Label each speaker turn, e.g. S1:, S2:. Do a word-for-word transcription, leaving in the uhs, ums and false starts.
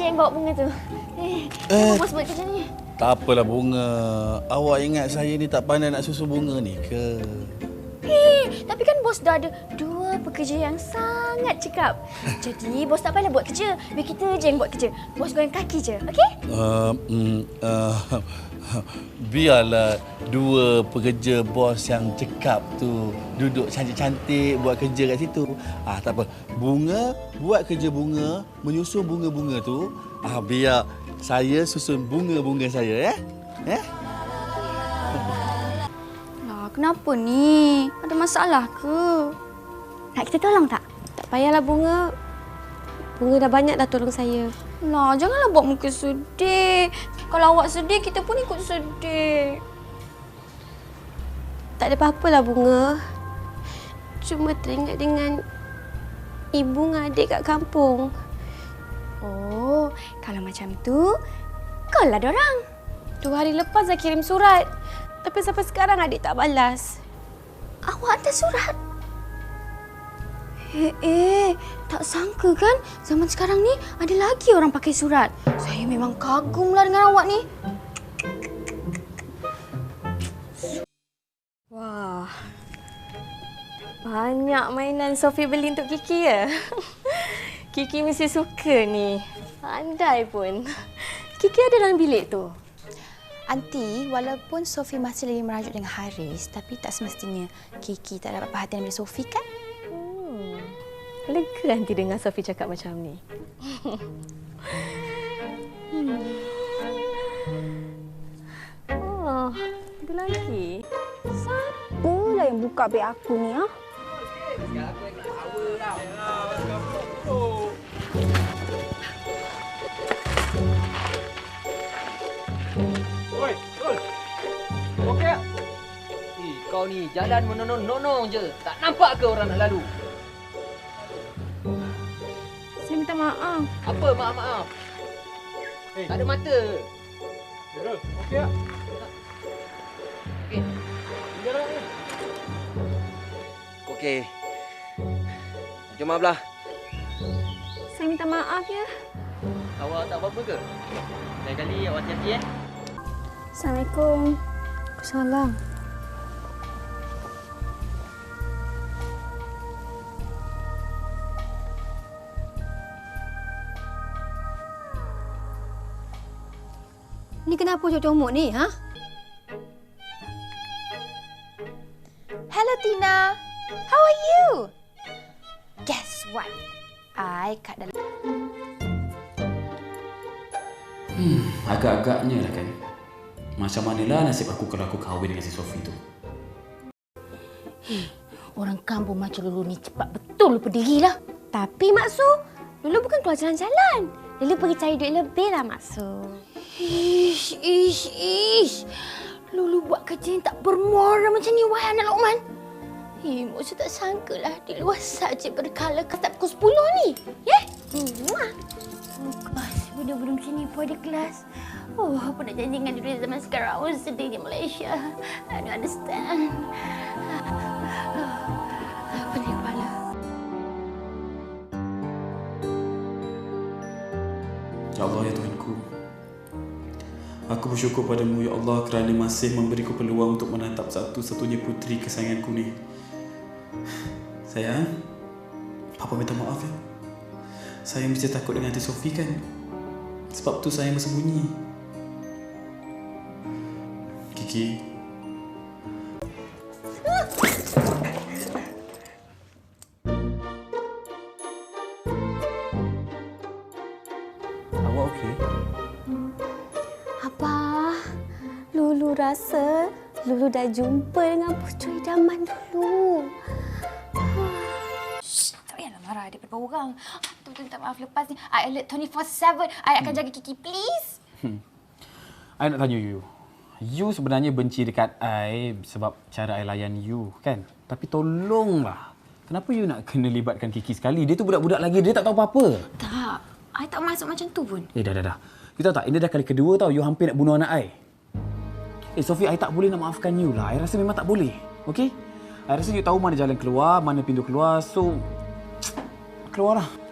S1: yang bawa bunga tu. Eh,
S2: Eh.
S1: kenapa bos buat kerja ni?
S2: Tak apalah Bunga. Awak ingat saya ni tak pandai nak susu bunga ni ke?
S1: Eh, tapi kan bos dah ada dua pekerja yang sangat cekap. Jadi bos tak payahlah buat kerja. Biar kita je yang buat kerja. Bos goyang kaki je, okey?
S2: Uh, mm, uh, biarlah dua pekerja bos yang cekap tu duduk cantik-cantik buat kerja kat situ. Ah, tak apa. Bunga buat kerja bunga, menyusun bunga-bunga tu. Ah, biar saya susun bunga-bunga saya, ya? Ya?
S1: Lah, kenapa ni? Ada masalah ke? Nak kita tolong tak?
S3: Tak payahlah Bunga. Bunga dah banyak dah tolong saya.
S1: Lah, janganlah buat muka sedih. Kalau awak sedih, kita pun ikut sedih.
S3: Tak ada apa-apalah Bunga. Cuma teringat dengan ibu dengan adik kat kampung.
S1: Oh, kalau macam tu, call lah dorang.
S3: Dua hari lepas dah kirim surat. Tapi sampai sekarang adik tak balas.
S1: Awak hantar surat? Eh, eh, tak sangka kan zaman sekarang ni ada lagi orang pakai surat. Saya memang kagumlah dengan awak ni.
S3: Wah. Banyak mainan Sophie beli untuk Kiki ya. Kiki mesti suka ni. Pandai pun. Kiki ada dalam bilik tu.
S4: Aunty, walaupun Sophie masih lagi merajuk dengan Haris, tapi tak semestinya Kiki tak dapat perhatian dari Sophie kan?
S3: Hmm. Lega nanti dengar Sophie cakap macam ni. hmm. Oh, ada lagi.
S1: Siapalah yang buka beg aku ni, ha?
S5: Oi, Rul. Okey tak? Eh, kau ni jalan menonong-nonong je. Tak nampak ke orang nak lalu?
S3: Saya minta maaf.
S5: Apa maaf-maaf?
S6: Hey.
S5: Tak ada mata.
S6: Rul, okey tak?
S5: Okey.
S6: Jalan ni.
S5: Okey. Jom belah.
S3: Saya minta maaf ya.
S5: Awak tak apa-apa ke? Lain kali awak hati-hati eh.
S1: Assalamualaikum.
S3: Salam.
S7: Ni kenapa comot-comot ni, ha?
S4: Hello Tina, how are you? Guess what? I kat dalam...
S8: Hmm, agak-agaknya lah kan. Macam manalah nasib aku kalau aku kahwin dengan si Sophie tu.
S7: Hei, orang kampung macam Lulu ni cepat betul lupa dirilah.
S3: Tapi Mak Su, Lulu bukan keluar jalan-jalan. Lulu pergi cari duit lebih lah Mak Su.
S7: Ish, ish, ish. Lulu buat kerja yang tak bermuara macam ni, wahai anak Lokman. Hei, Mak Su tak sangkalah di luar saja berkala kata pukul sepuluh ni. Ya? Yeah? Oh gosh, budak-budak macam ni pun ada kelas. Oh, apa nak janji dengan diri zaman sekarang? Oh, sedih di Malaysia. I don't understand. Pening kepala.
S8: Ya Allah, ya Tuhanku. Aku bersyukur padamu, Ya Allah, kerana masih memberiku peluang untuk menatap satu-satunya puteri kesayanganku ni. Sayang, Papa minta maaf ya. Saya mesti takut dengan Aunty Sophie kan? Sebab tu saya bersembunyi. Kiki.
S2: Awak okey?
S3: Abah, Lulu rasa Lulu dah jumpa dengan pucuk idaman dulu.
S4: Tak payahlah marah daripada orang. Betul-betul minta maaf lepas ni. I alert twenty four seven. I akan jaga Kiki, please.
S8: Hmm. I nak tanya you. You sebenarnya benci dekat I sebab cara I layan you, kan? Tapi tolonglah. Kenapa you nak kena libatkan Kiki sekali? Dia tu budak-budak lagi, dia tak tahu apa-apa.
S4: Tak. I tak masuk macam tu pun.
S8: Eh, dah, dah, dah. You tahu tak, ini dah kali kedua tau you hampir nak bunuh anak I. Eh, Sophie, I tak boleh nak maafkan you lah. I rasa memang tak boleh. Okey? I rasa you tahu mana jalan keluar, mana pintu keluar. So, keluarlah.